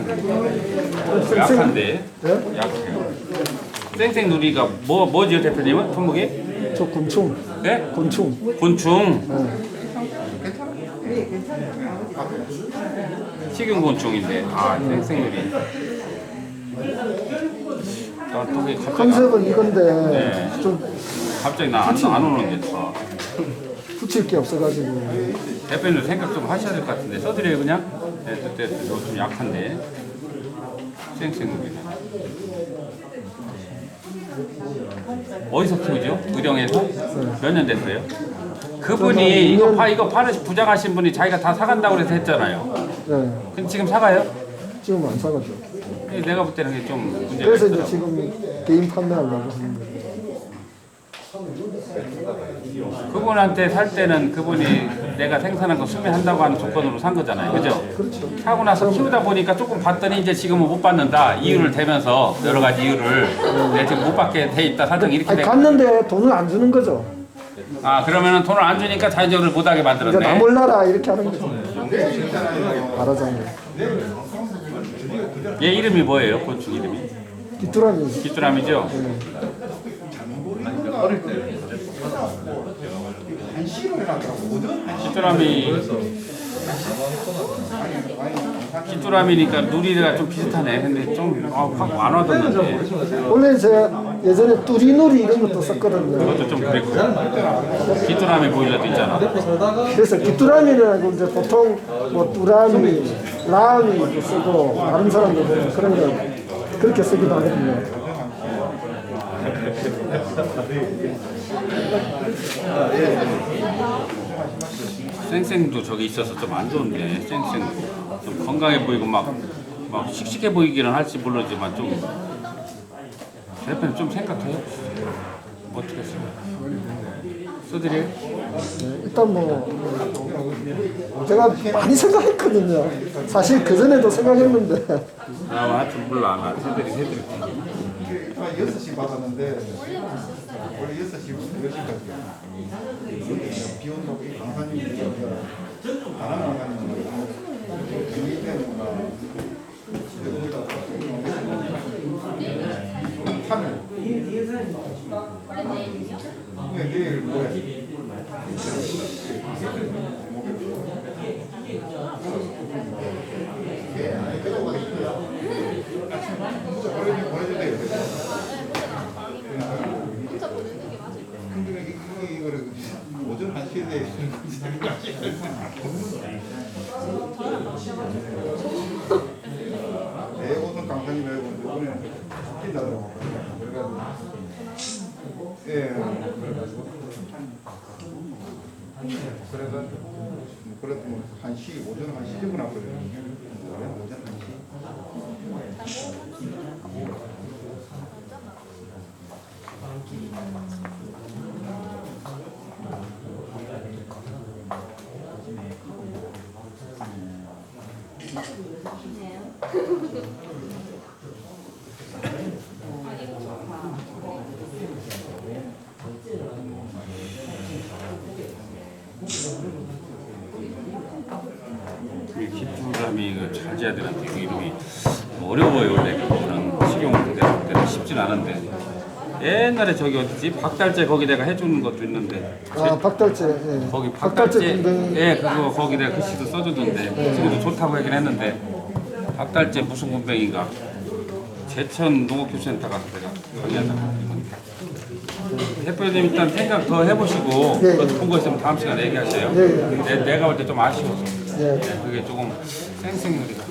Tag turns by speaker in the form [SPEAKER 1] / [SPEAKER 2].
[SPEAKER 1] 약한데.
[SPEAKER 2] 네?
[SPEAKER 1] 약해요. 생생누리가 뭐지요 대표님은? 품목이?
[SPEAKER 2] 저 곤충.
[SPEAKER 1] 네?
[SPEAKER 2] 곤충.
[SPEAKER 1] 곤충.
[SPEAKER 2] 네.
[SPEAKER 1] 식용곤충인데. 아 생생누리. 또 갑자기
[SPEAKER 2] 컨셉은 이건데
[SPEAKER 1] 네.
[SPEAKER 2] 좀
[SPEAKER 1] 갑자기 나 안 오는 게 더.
[SPEAKER 2] 붙일 게 없어가지고.
[SPEAKER 1] 대표님 생각 좀 하셔야 될 것 같은데 써드려요 그냥? 네, 그때 좀 약한데 생생누리는 어디서 키우죠? 의령에서? 몇 년 됐어요? 그분이 이거 부장하신 분이 자기가 다 사간다고 그래서 했잖아요.
[SPEAKER 2] 네.
[SPEAKER 1] 근데 지금 사가요?
[SPEAKER 2] 지금 안 사가죠.
[SPEAKER 1] 내가 볼 때는 그게 좀 문제가
[SPEAKER 2] 그래서 이제
[SPEAKER 1] 있더라고.
[SPEAKER 2] 지금 개인 판매하려고 하는 거예요.
[SPEAKER 1] 그분한테 살 때는 그분이 내가 생산한 거 수매한다고 하는 조건으로 산 거잖아요. 그죠?
[SPEAKER 2] 그렇죠.
[SPEAKER 1] 사고 나서 키우다 보니까 조금 봤더니 이제 지금은 못 받는다. 이유를 대면서 여러 가지 이유를 내가 지금 못 받게 돼 있다. 사정 이렇게
[SPEAKER 2] 아니,
[SPEAKER 1] 돼.
[SPEAKER 2] 갔는데 돈을 안 주는 거죠.
[SPEAKER 1] 아 그러면은 돈을 안 주니까 자연적으로 못 하게
[SPEAKER 2] 그러니까 나
[SPEAKER 1] 만들었네.
[SPEAKER 2] 몰라라 이렇게 하는 거죠. 말하자면
[SPEAKER 1] 얘 이름이 뭐예요? 곤충 이름이?
[SPEAKER 2] 귀뚜라미.
[SPEAKER 1] 귀뚜라미죠? 귀뚜라미니까 누리가 좀 비슷하네. 근데 좀 확 안 와닿는데.
[SPEAKER 2] 원래 제가 예전에 뚜리누리 이런 것도 썼거든요.
[SPEAKER 1] 그것도 좀 그랬고. 귀뚜라미 보일러도 있잖아.
[SPEAKER 2] 그래서 귀뚜라미는 이제 보통 뭐 뚜라미, 라미도 쓰고 다른 사람들은 그런 거 그렇게 쓰기도 하거든요.
[SPEAKER 1] 쌩쌩도 저기 있어서 좀 안 좋은데 쌩쌩 좀 건강해 보이고 막 씩씩해 보이기는 할지 모르지만 좀 대표님 좀 생각해요. 어떻게 써요? 써드려요?
[SPEAKER 2] 네, 일단 뭐 제가 많이 생각했거든요. 사실 그 전에도 생각했는데
[SPEAKER 1] 하여튼 몰라 나 해드릴게.
[SPEAKER 3] 6시 받았는데 원래 6시부터 10시까지 비 온다고 강사님이 바람 나가는 거 경기 때문에 거기다 하늘 내일 뭐야 이거를 오전 1시에 내 오전 강사님이라고 이번에 바뀐다더라고. 그래가지고 예 그래도 뭐 1시 오전 1시 정도 나거든요. 오전 1시.
[SPEAKER 1] 귀뚜라미 잘 지어야 되는데 그 이름이 어려워요. 원래 그거는 식용대로 쉽진 않은데 옛날에 저기 어디지 박달재 거기 내가 해주는 것도 있는데
[SPEAKER 2] 박달재. 예.
[SPEAKER 1] 거기
[SPEAKER 2] 박달재
[SPEAKER 1] 박달재
[SPEAKER 2] 군뱅이.
[SPEAKER 1] 예 그거 거기 내가 글씨도 써줬는데 지금도 좋다고 하긴 했는데 박달재 무슨 군뱅이가 제천 농업교육센터 가서 내가 강의하다가 대표님 일단 생각 더 해보시고
[SPEAKER 2] 예, 예.
[SPEAKER 1] 그것도 본 거 있으면 다음 시간에 얘기하세요.
[SPEAKER 2] 예, 예.
[SPEAKER 1] 내가 볼 때 좀 아쉬워서
[SPEAKER 2] 예.
[SPEAKER 1] 그게 조금 생생누리가